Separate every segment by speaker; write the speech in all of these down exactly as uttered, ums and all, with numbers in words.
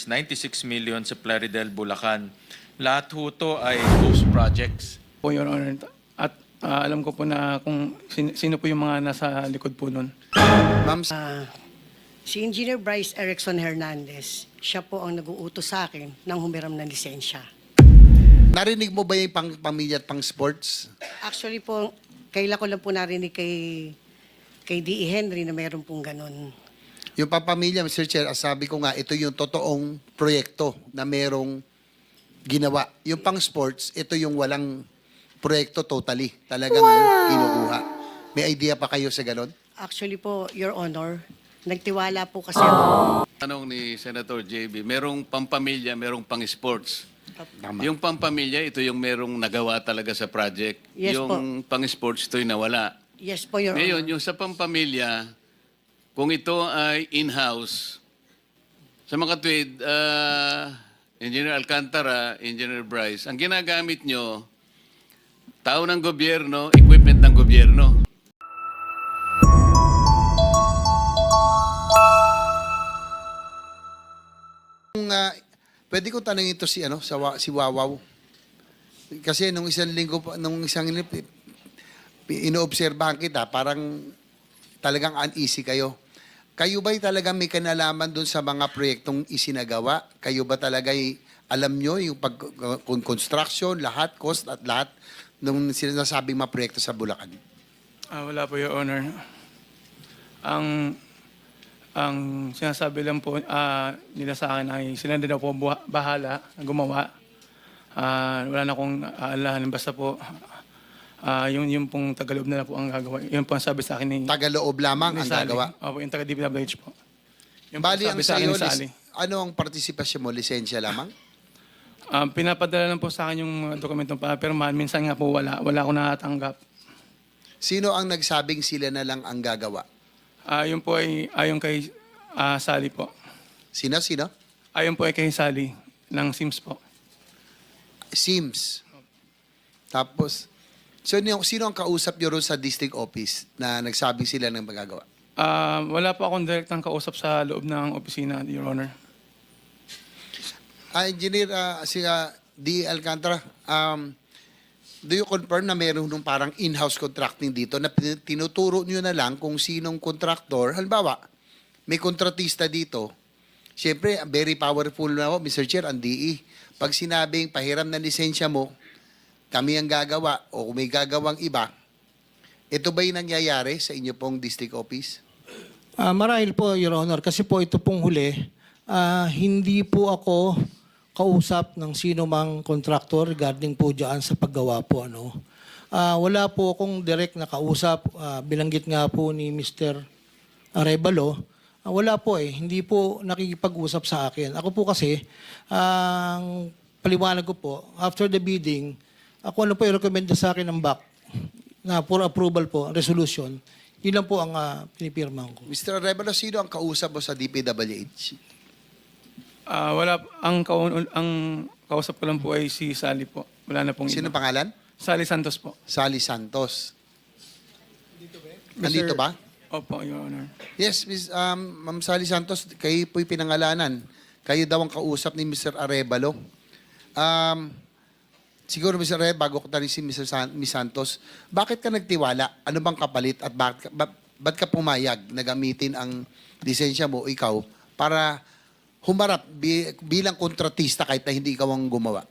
Speaker 1: ninety-six million sa Plaridel, Bulacan. Lahat ho to ay ghost projects.
Speaker 2: Po, Your Honor. At ah, alam ko po na kung sin- sino po yung mga nasa likod po nun.
Speaker 3: Ma'am,
Speaker 4: Si Engineer Bryce Erickson Hernandez, siya po ang nag-uutos sa akin ng humiram ng lisensya.
Speaker 3: narinig mo ba yung pang pamilya at pang sports?
Speaker 4: Actually po, kaila ko lang po narinig kay, kay D E. Henry na mayroon pong ganun.
Speaker 3: Yung pampamilya, Mister Chair, ah, sabi ko nga, ito yung totoong proyekto na merong ginawa. Yung pang sports, ito yung walang proyekto totally. Talagang kinukuha. May idea pa kayo sa ganon?
Speaker 4: Actually po, Your Honor, nagtiwala po kasi ako.
Speaker 5: Tanong ni Senator J B, merong pampamilya, merong pang-sports.
Speaker 3: Tama.
Speaker 5: Yung pampamilya, ito yung merong nagawa talaga sa project.
Speaker 4: Yes
Speaker 5: yung pang-sports, ito yung nawala.
Speaker 4: Yes po, Your
Speaker 5: Ngayon,
Speaker 4: Honor.
Speaker 5: yung sa pampamilya, kung ito ay in-house, sa mga tweed, uh, Engineer Alcantara, Engineer Bryce, ang ginagamit nyo, tao ng gobyerno, equipment ng gobyerno.
Speaker 3: Kung, ah, pwede kong tanongin ito si, ano, sa, wa- si Wawaw. Kasi nung isang linggo, pa- nung isang linggo, pi- pi- inoobserbahan kita, parang talagang uneasy kayo. Kayo ba'y talagang may kanalaman dun sa mga proyektong isinagawa? Kayo ba talaga'y alam nyo yung pag, kung construction, lahat, cost at lahat nung sinasabing mga proyekto sa Bulacan?
Speaker 2: Ah, wala po, Your Honor. Ang ang sinasabi lang po ah, nila sa akin ay sila na daw po buha- bahala na gumawa. Ah, wala na akong aalahan. Basta po, ah, yung, yung pong Tagalog na lang po ang gagawa. Yun po ang sabi sa akin ni,
Speaker 3: Tagaloob lamang
Speaker 2: ni
Speaker 3: ang
Speaker 2: Sally.
Speaker 3: gagawa.
Speaker 2: Opo, yung taga-D P W H po. Yung
Speaker 3: Bali,
Speaker 2: po
Speaker 3: ang
Speaker 2: sabi sa akin
Speaker 3: sa'yo,
Speaker 2: ni Sally.
Speaker 3: lis- ano ang partisipasyon mo? Lisensya lamang?
Speaker 2: Um, pinapadala lang po sa akin yung mga dokumentong pa, pero man, minsan nga po wala. Wala akong natatanggap.
Speaker 3: Sino ang nagsabing sila na lang ang gagawa?
Speaker 2: Ah, yun po ay ayon kay ah, Sally po.
Speaker 3: Sino, sino?
Speaker 2: Ayon po ay kay Sally ng Sims po.
Speaker 3: Sims. Tapos, sino, sino ang kausap nyo ron sa district office na nagsabing sila ng magagawa?
Speaker 2: Ah, wala po akong direktang kausap sa loob ng opisina, Your Honor.
Speaker 3: Ah, Engineer, ah, si ah, D. Alcantara, um, do you confirm na meron nung parang in-house contracting dito na pin- tinuturo nyo na lang kung sinong contractor? Halimbawa, may kontratista dito. Siyempre, very powerful na ako, Mister Chair, ang D E. Pag sinabing pahiram na lisensya mo, kami ang gagawa o kung may gagawang iba, ito ba yung nangyayari sa inyo pong district office?
Speaker 6: Ah, marahil po, Your Honor, kasi po ito pong huli, ah, hindi po ako kausap ng sino mang kontraktor regarding po dyan sa paggawa po. Ano. Ah, wala po akong direct na kausap, ah, bilanggit nga po ni Mister Arevalo, ah, wala po eh, hindi po nakikipag-usap sa akin. Ako po kasi, ang paliwanag ko po, after the bidding, ako ano po i-recommend sa akin ng B A C na for approval po, resolution, yun lang po ang uh, pinipirmahan ko.
Speaker 3: Mister Arevalo, sino ang kausap mo sa D P W H?
Speaker 2: Ah, wala ang kaun- ang kausap ko lang po ay si Sally po. Wala na pong
Speaker 3: Sino
Speaker 2: iba.
Speaker 3: pangalan?
Speaker 2: Sally Santos po.
Speaker 3: Sally Santos. Nandito ba?
Speaker 2: Opo, Your Honor.
Speaker 3: Yes, Miss um, Ma'am Sally Santos, kayo po'y pinangalanan. Kayo daw ang kausap ni Mister Arevalo. Um, siguro, Mister Arevalo, bago ko tanong si Mister San, Miss Santos, bakit ka nagtiwala? Ano bang kapalit at bakit, ka- ba, ba't ka pumayag na gamitin ang lisensya mo, ikaw, para humarap bi- bilang kontratista kahit na hindi ikaw ang gumawa?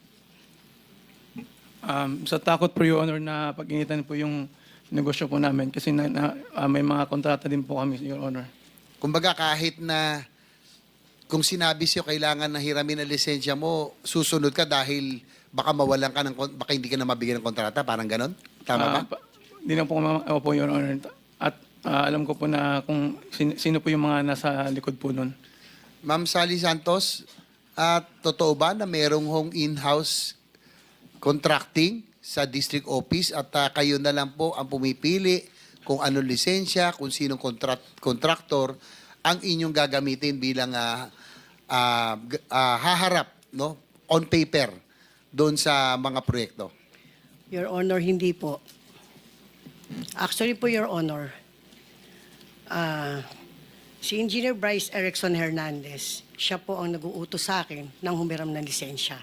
Speaker 2: Um, sa takot po, Your Honor, na pag-initan po yung negosyo po namin kasi na, na, ah, may mga kontrata din po kami, Your Honor.
Speaker 3: Kumbaga kahit na kung sinabi sa'yo kailangan na hiramin ang lisensya mo, susunod ka dahil baka mawalan ka ng, kon- baka hindi ka na mabigyan ng kontrata, parang ganon? Tama ba?
Speaker 2: Ah, pa- Di na po, ma- opo, Your Honor. At ah, alam ko po na kung sin- sino po yung mga nasa likod po nun.
Speaker 3: Ma'am Sally Santos, at totoo ba na merong hong in-house contracting sa district office at ah, kayo na lang po ang pumipili kung anong lisensya, kung sinong contract, contractor ang inyong gagamitin bilang ah, ah, g- ah, haharap no on paper doon sa mga proyekto?
Speaker 4: Your Honor, hindi po. Actually po, Your Honor, ah, Si Engineer Bryce Erickson Hernandez, siya po ang nag-uutos sa akin ng humiram ng lisensya.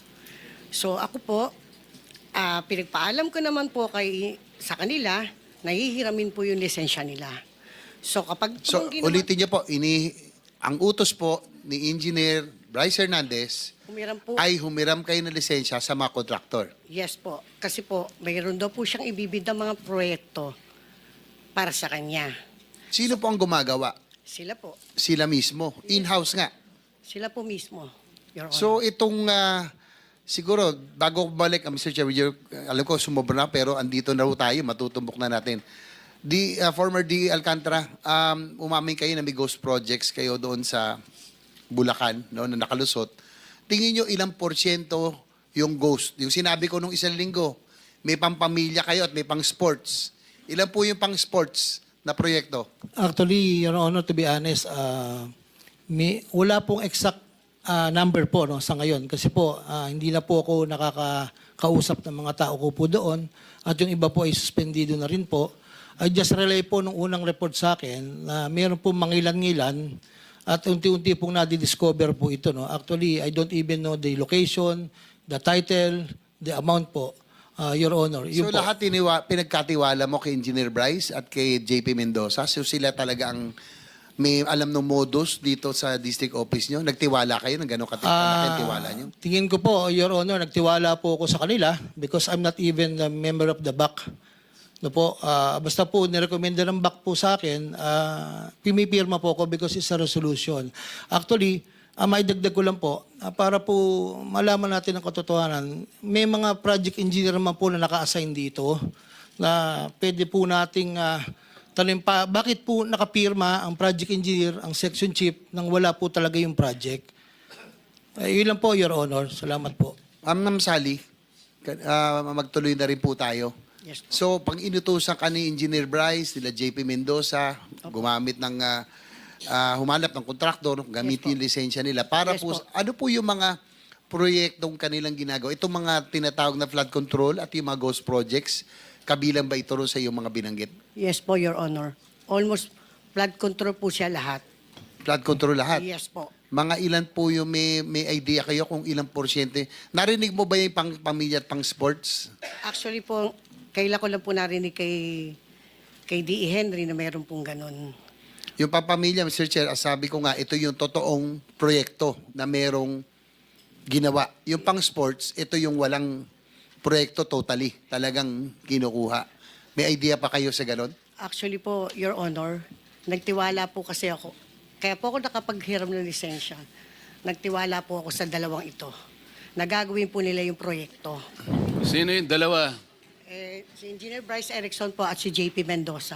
Speaker 4: So ako po, ah, pinagpaalam ko naman po kay, sa kanila, nahihiramin po yung lisensya nila. So kapag
Speaker 3: So,
Speaker 4: kung ginawa-
Speaker 3: ulitin niyo po, ini, ang utos po ni Engineer Bryce Hernandez
Speaker 4: humiram po,
Speaker 3: ay humiram kayo ng lisensya sa mga kontraktor.
Speaker 4: yes po. Kasi po, mayroon daw po siyang ibibid ng mga proyekto para sa kanya.
Speaker 3: Sino po ang gumagawa?
Speaker 4: Sila po.
Speaker 3: Sila mismo. In-house nga.
Speaker 4: Sila po mismo, Your Honor.
Speaker 3: So itong, ah, siguro, bago ko balik, uh, Mister Chair, with your- alam ko sumobra na, pero andito na rin tayo, matutumbok na natin. The uh, former D. Alcantara, um, umamin kayo na may ghost projects kayo doon sa Bulacan, no, na nakalusot. Tingin nyo ilang porsyento yung ghost? Yung sinabi ko nung isang linggo, may pampamilya kayo at may pang sports. Ilan po yung pang sports na proyekto?
Speaker 6: Actually, Your Honor, to be honest, ah, may, wala pong exact ah, number po no, sa ngayon. Kasi po, ah, hindi na po ako nakakausap ng mga tao ko po doon. At yung iba po ay suspendido na rin po. I just relay po nung unang report sa akin na meron po mangilan-ngilan at unti-unti pong nadidiscover po ito. No? Actually, I don't even know the location, the title, the amount po, ah, Your Honor. Yun
Speaker 3: So
Speaker 6: po.
Speaker 3: lahat tiniwa, pinagkatiwala mo kay Engineer Bryce at kay J P Mendoza. So sila talaga ang may alam ng modus dito sa district office nyo. Nagtiwala kayo ng gano'ng katik-
Speaker 6: Ah,
Speaker 3: kalaki tiwala nyo?
Speaker 6: tingin ko po, Your Honor, nagtiwala po ako sa kanila because I'm not even a member of the B A C. No po, ah, basta po nirekomenda ng B A C po sa akin, uh, pimipirma po ako because it's a resolution. Actually, uh, may dagdag ko lang po, ah, para po malaman natin ang katotohanan, may mga project engineer naman po na naka-assign dito na pwede po nating uh, tanong pa, bakit po nakapirma ang project engineer, ang section chief, nang wala po talaga yung project? Ay, yun lang po, Your Honor. Salamat po.
Speaker 3: Ma'am Ma'am Sally, ka- ah, magtuloy na rin po tayo.
Speaker 4: Yes po.
Speaker 3: So, pag inutusan ka ni Engineer Bryce, nila J P Mendoza, gumamit ng, ah, ah, humanap ng kontraktor, gamitin yung lisensya nila. Para
Speaker 4: Yes
Speaker 3: po,
Speaker 4: po.
Speaker 3: ano po yung mga proyektong kanilang ginagawa? Itong mga tinatawag na flood control at yung mga ghost projects, kabilang ba ito rin sa yung mga binanggit?
Speaker 4: Yes po, Your Honor. Almost flood control po siya lahat.
Speaker 3: Flood control lahat?
Speaker 4: Yes po.
Speaker 3: Mga ilan po yung may, may idea kayo kung ilang porsyente? Narinig mo ba yung pang pamilya at pang sports?
Speaker 4: Actually po, kailan ko lang po narinig kay, kay D E. Henry na mayroon pong ganun.
Speaker 3: Yung papamilya, Mister Chair, ah, sabi ko nga, ito yung totoong proyekto na merong ginawa. Yung pang sports, ito yung walang proyekto totally. Talagang kinukuha. May idea pa kayo sa ganon?
Speaker 4: Actually po, Your Honor, nagtiwala po kasi ako. Kaya po ako nakapaghiram ng lisensya. Nagtiwala po ako sa dalawang ito. Nagagawin po nila yung proyekto.
Speaker 5: Sino yung dalawa?
Speaker 4: Eh, si Engineer Bryce Erickson po at si J P Mendoza.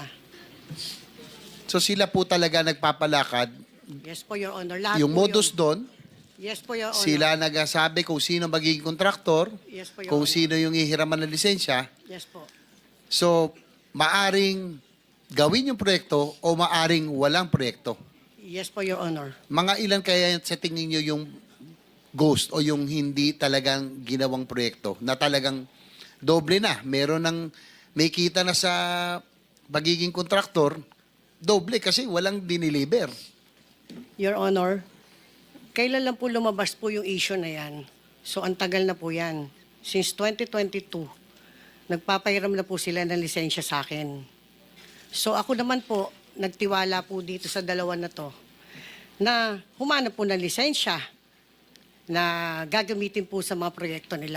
Speaker 3: So sila po talaga nagpapalakad.
Speaker 4: Yes po, Your Honor. Lahat
Speaker 3: Yung
Speaker 4: po
Speaker 3: modus
Speaker 4: yun.
Speaker 3: doon,
Speaker 4: Yes po, Your Honor.
Speaker 3: sila nagsasabi kung sino magiging kontraktor,
Speaker 4: Yes po, Your
Speaker 3: kung
Speaker 4: Honor.
Speaker 3: sino yung ihiraman ng lisensya.
Speaker 4: Yes po.
Speaker 3: So, maaring gawin yung proyekto o maaring walang proyekto.
Speaker 4: Yes po, Your Honor.
Speaker 3: Mga ilan kaya sa tingin nyo yung ghost o yung hindi talagang ginawang proyekto na talagang doble na. Meron ng may kita na sa pagiging kontraktor, doble kasi walang diniliber.
Speaker 4: Your Honor, kailan lang po lumabas po yung issue na yan? So, ang tagal na po yan. Since twenty twenty-two, nagpapahiram na po sila ng lisensya sa akin. So, ako naman po, nagtiwala po dito sa dalawa na to na humanap po ng lisensya na gagamitin po sa mga proyekto nila.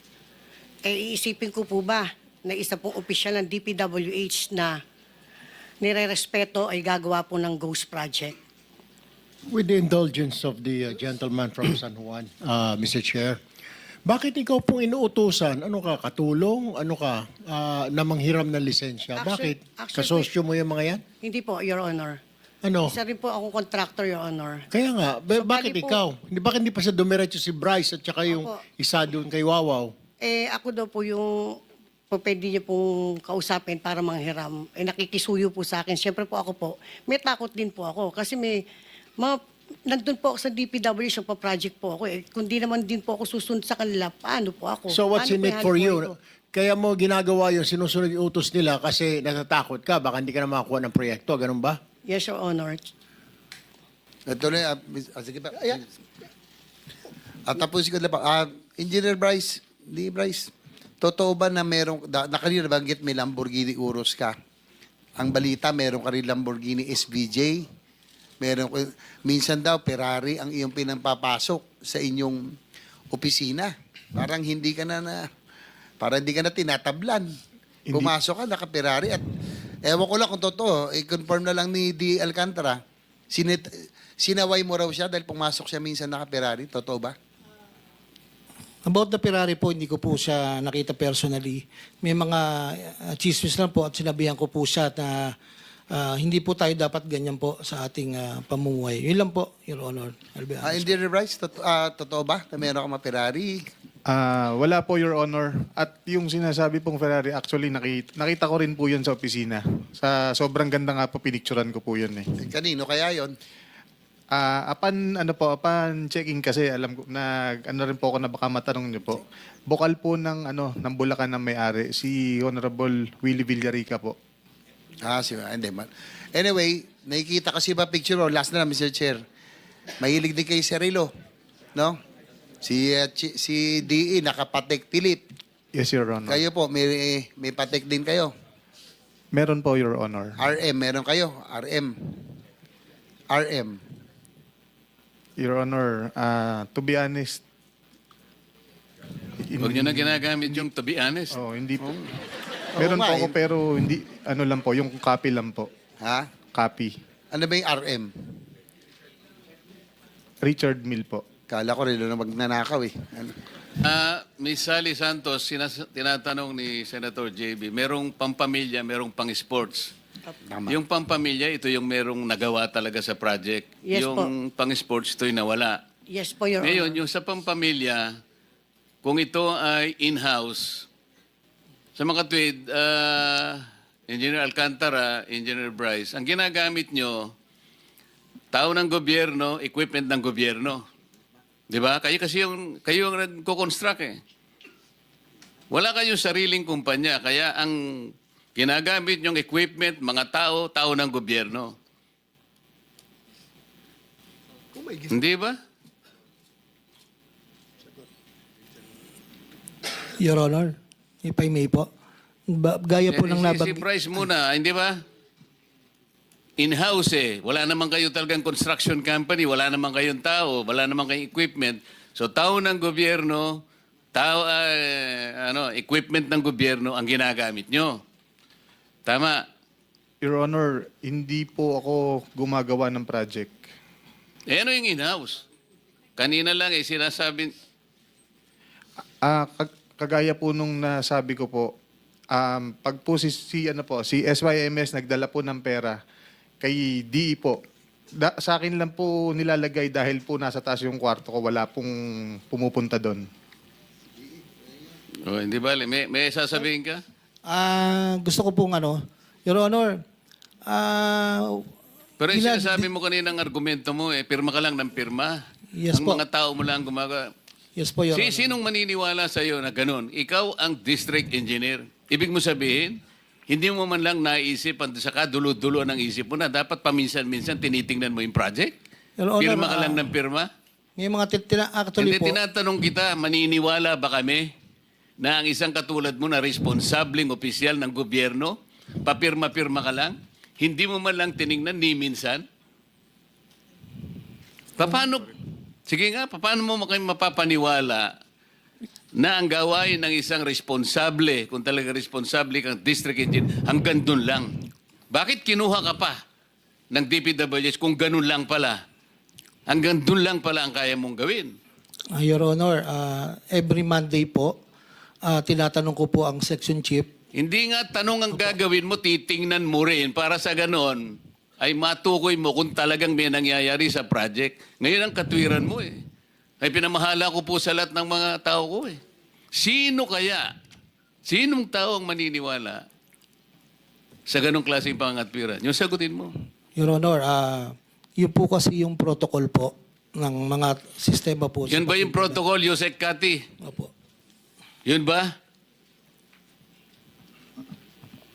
Speaker 4: Eh, iisipin ko po ba na isa pong opisyal ng D P W H na nire-respeto ay gagawa po ng ghost project?
Speaker 7: With the indulgence of the uh, gentleman from San Juan, uh, Mister Chair, bakit ikaw pong inuutusan? Ano ka, katulong? Ano ka, uh, na manghiram ng lisensya?
Speaker 4: Actually-
Speaker 7: bakit?
Speaker 4: actually-
Speaker 7: Kasosyo mo yung mga yan?
Speaker 4: Hindi po, Your Honor.
Speaker 7: Ano?
Speaker 4: Isa rin po akong contractor, Your Honor.
Speaker 7: Kaya nga, ba-
Speaker 4: So,
Speaker 7: bakit
Speaker 4: bali po-
Speaker 7: ikaw? Hindi, bakit hindi pa sa dumiretso si Bryce at saka yung
Speaker 4: Opo.
Speaker 7: isa doon kay Wawaw?
Speaker 4: Eh, ako daw po yung po pwede niyo pong kausapin para manghiram. Eh, nakikisuyo po sa akin. Siyempre po ako po, may takot din po ako. Kasi may mga, nandun po ako sa D P W, sa pa-project po ako. Eh, kung di naman din po ako susunod sa kanila, paano po ako?
Speaker 7: So what's
Speaker 4: Paano
Speaker 7: in
Speaker 4: po
Speaker 7: it
Speaker 4: ihalo
Speaker 7: for
Speaker 4: po
Speaker 7: you?
Speaker 4: ito?
Speaker 7: Kaya mo ginagawa yung sinusunod yung utos nila kasi natatakot ka, baka hindi ka na makakuha ng proyekto, ganun ba?
Speaker 4: Yes, Your Honor.
Speaker 3: Ito na, ah, mis- ah, sige pa. At tapos ko na pa. Ah, Engineer Bryce, di Bryce, totoo ba na merong, da, na kanina banggit may Lamborghini Urus ka? Ang balita, meron ka rin Lamborghini S V J. Meron, ko- minsan daw, Ferrari ang iyong pinampapasok sa inyong opisina. Parang hindi ka na na, parang hindi ka na tinatablan. Pumasok ka, naka-Ferrari at ewan ko lang kung totoo, i-confirm na lang ni D. Alcantara, sinit, sinaway mo raw siya dahil pumasok siya minsan naka-Ferrari. Totoo ba?
Speaker 6: About the Ferrari po, hindi ko po siya nakita personally. May mga uh, chismis lang po at sinabihan ko po siya na ah, hindi po tayo dapat ganyan po sa ating ah, pamumuhay. Yun lang po, Your Honor. I'll be
Speaker 3: Ah,
Speaker 6: honest.
Speaker 3: Engineer Bryce, tot- ah, totoo ba na meron ka ma-Ferrari?
Speaker 8: Ah, wala po, Your Honor. At yung sinasabi pong Ferrari, actually nakita, nakita ko rin po yun sa opisina. Sa sobrang ganda nga po, pinicturan ko po yun eh.
Speaker 3: Kanino kaya yon?
Speaker 8: Ah, upon ano po, upon checking kasi alam ko na ano rin po ako na baka matanong niyo po. Bukal po ng ano ng Bulacan ng may-ari si Honorable Willie Villarica po.
Speaker 3: Ah, si hindi man. Anyway, nakikita kasi ba picture mo? Last na lang, Mister Chair. Mahilig din kay Cirilo, no? Si uh, Chi- si D E nakapatek tilip.
Speaker 8: Yes, Your Honor.
Speaker 3: Kayo po, may may patek din kayo.
Speaker 8: Meron po, Your Honor.
Speaker 3: R M, meron kayo. R M. R M.
Speaker 8: Your Honor, ah, to be honest, in-
Speaker 5: Huwag nyo na ginagamit yung to be honest.
Speaker 8: Oh, hindi po. Meron
Speaker 3: Oo
Speaker 8: po
Speaker 3: nga,
Speaker 8: ako
Speaker 3: eh.
Speaker 8: pero hindi ano lang po, yung copy lang po.
Speaker 3: Ha?
Speaker 8: Copy.
Speaker 3: Ano ba yung R M?
Speaker 8: Richard Mill po.
Speaker 3: Kala ko rin na magnanakaw eh. Ano?
Speaker 5: Ah, Miss Sally Santos, sinas- tinatanong ni Senator J B, merong pampamilya, merong pang-sports.
Speaker 3: Tama.
Speaker 5: Yung pampamilya, ito yung merong nagawa talaga sa project.
Speaker 4: Yes
Speaker 5: yung pang-sports, ito yung nawala.
Speaker 4: Yes po, Your
Speaker 5: Ngayon,
Speaker 4: Honor.
Speaker 5: yung sa pampamilya, kung ito ay in-house, sa mga tweed, ah, Engineer Alcantara, Engineer Bryce, ang ginagamit nyo, tao ng gobyerno, equipment ng gobyerno. Di ba? Kayo kasi yung, kayo ang nagko-construct eh. Wala kayong sariling kumpanya, kaya ang ginagamit yung equipment, mga tao, tao ng gobyerno. Hindi ba?
Speaker 6: Your Honor, if I may po. Ba- gaya po
Speaker 5: Eh,
Speaker 6: ng
Speaker 5: si, si
Speaker 6: nabag...
Speaker 5: Bryce muna, hindi ba? In-house eh. Wala naman kayo talagang construction company, wala naman kayong tao, wala naman kayong equipment. So tao ng gobyerno, tao, ah, ano, equipment ng gobyerno ang ginagamit nyo. Tama.
Speaker 8: Your Honor, hindi po ako gumagawa ng project.
Speaker 5: Eh ano yung in-house? Kanina lang eh, sinasabi,
Speaker 8: Ah, kag- kagaya po nung nasabi ko po, um, pag po si, si, ano po, si S Y M S nagdala po ng pera kay D E po, da, sa akin lang po nilalagay dahil po nasa taas yung kwarto ko, wala pong pumupunta doon.
Speaker 5: oh, hindi ba? May, may sasabihin ka?
Speaker 6: Ah, gusto ko pong ano, Your Honor, ah...
Speaker 5: Pero yung
Speaker 6: ilan-
Speaker 5: sinasabi mo kaninang argumento mo, eh, pirma ka lang ng pirma.
Speaker 6: Yes
Speaker 5: ang
Speaker 6: po.
Speaker 5: mga tao mo lang gumagawa.
Speaker 6: Yes po, Your
Speaker 5: Si,
Speaker 6: Honor.
Speaker 5: sinong maniniwala sa iyo na ganun? Ikaw ang district engineer. Ibig mo sabihin, hindi mo man lang naisip, at saka dulo-dulo ng isip mo na dapat paminsan-minsan tinitingnan mo yung project?
Speaker 6: Your Honor,
Speaker 5: Pirma ka lang
Speaker 6: ah,
Speaker 5: ng pirma?
Speaker 6: May mga tit- tina- actually
Speaker 5: Hindi,
Speaker 6: po...
Speaker 5: tinatanong kita, maniniwala ba kami na ang isang katulad mo na responsableng opisyal ng gobyerno, papirma-pirma ka lang? Hindi mo man lang tiningnan ni minsan? Paano, sige nga, paano mo kayo mapapaniwala na ang gawain ng isang responsable, kung talaga responsable kang district engineer, hanggang dun lang? Bakit kinuha ka pa ng D P W S kung ganun lang pala? Hanggang dun lang pala ang kaya mong gawin.
Speaker 6: Ah, Your Honor, ah, every Monday po, ah, tinatanong ko po ang section chief.
Speaker 5: Hindi nga tanong ang gagawin mo, titingnan mo rin para sa ganon ay matukoy mo kung talagang may nangyayari sa project. Ngayon ang katwiran mo eh. Ay pinamahala ko po sa lahat ng mga tao ko eh. Sino kaya? Sinong tao ang maniniwala sa ganong klaseng pangatwiran? Yung sagutin mo.
Speaker 6: Your Honor, ah, yun po kasi yung protocol po ng mga sistema po. sa
Speaker 5: Yun ba yung
Speaker 6: pagpipila.
Speaker 5: protocol, Yusek Kati?
Speaker 6: Opo.
Speaker 5: Yun ba?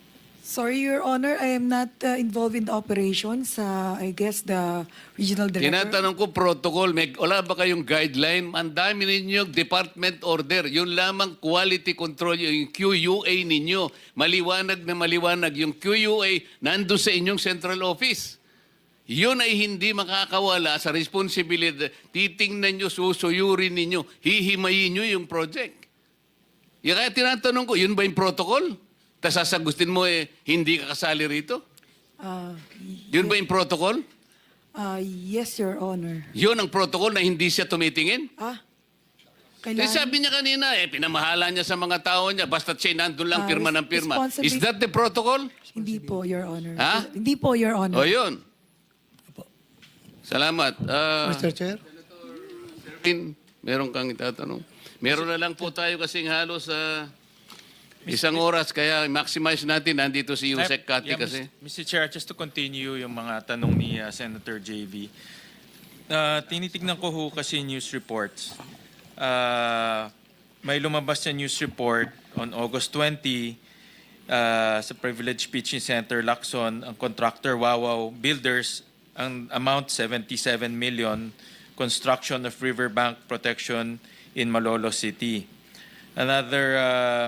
Speaker 9: Sorry, Your Honor, I am not uh, involved in the operations. Uh, I guess the regional director.
Speaker 5: Tinatanong ko protocol, may, wala ba kayong guideline? Ang dami ninyo department order. Yun lamang quality control, yung Q U A ninyo. Maliwanag na maliwanag. Yung Q U A nandun sa inyong central office. Yun ay hindi makakawala sa responsibilidad. Titingnan nyo, susuyurin ninyo, hihimayin nyo yung project. Yung kaya tinatanong ko, yun ba yung protocol? Tapos sasagutin mo eh, hindi ka kasali rito?
Speaker 9: Uh,
Speaker 5: Yun ba yung protocol?
Speaker 9: uh, yes, Your Honor.
Speaker 5: Yun ang protocol na hindi siya tumitingin?
Speaker 9: Ah,
Speaker 5: Eh,
Speaker 9: kailangan...
Speaker 5: sabi niya kanina, eh, pinamahala niya sa mga tao niya, basta siya nandun lang,
Speaker 9: Ah,
Speaker 5: pirma ng
Speaker 9: res-
Speaker 5: pirma. Is
Speaker 9: responsibility-
Speaker 5: that the protocol?
Speaker 9: Hindi po, Your Honor.
Speaker 5: Ha?
Speaker 9: Hindi po, Your Honor.
Speaker 5: O yun. Salamat. Ah,
Speaker 6: Mister Chair?
Speaker 5: Pin, meron kang itatanong. Meron na lang po tayo kasing halos sa isang oras, kaya maximize natin. Nandito si Yusek Kati
Speaker 1: Yeah,
Speaker 5: kasi.
Speaker 1: Mister Chair, just to continue yung mga tanong ni uh, Senator J V. Uh, tinitignan ko ho kasi news reports. Uh, may lumabas na news report on August twentieth uh, sa Privilege Pitching Center, Lacson, ang contractor Wawaw Builders, ang amount seventy-seven million, construction of riverbank protection in Malolos City. Another uh,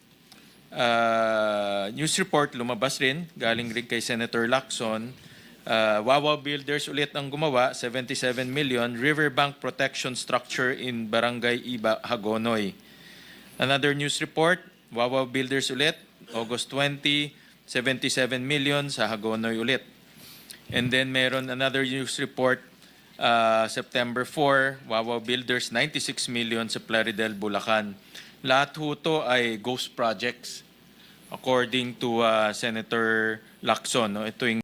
Speaker 1: uh, news report lumabas rin, galing rin kay Senator Lacson. Uh, Wawaw Builders ulit ang gumawa, seventy-seven million, riverbank protection structure in Barangay Iba, Hagonoy. Another news report, Wawaw Builders ulit, August twentieth, seventy-seven million sa Hagonoy ulit. And then meron another news report, uh, September fourth, Wawaw Builders, ninety-six million sa Plaridel, Bulacan. Lahat ho to ay ghost projects according to uh, Senator Lacson. No? Ito yung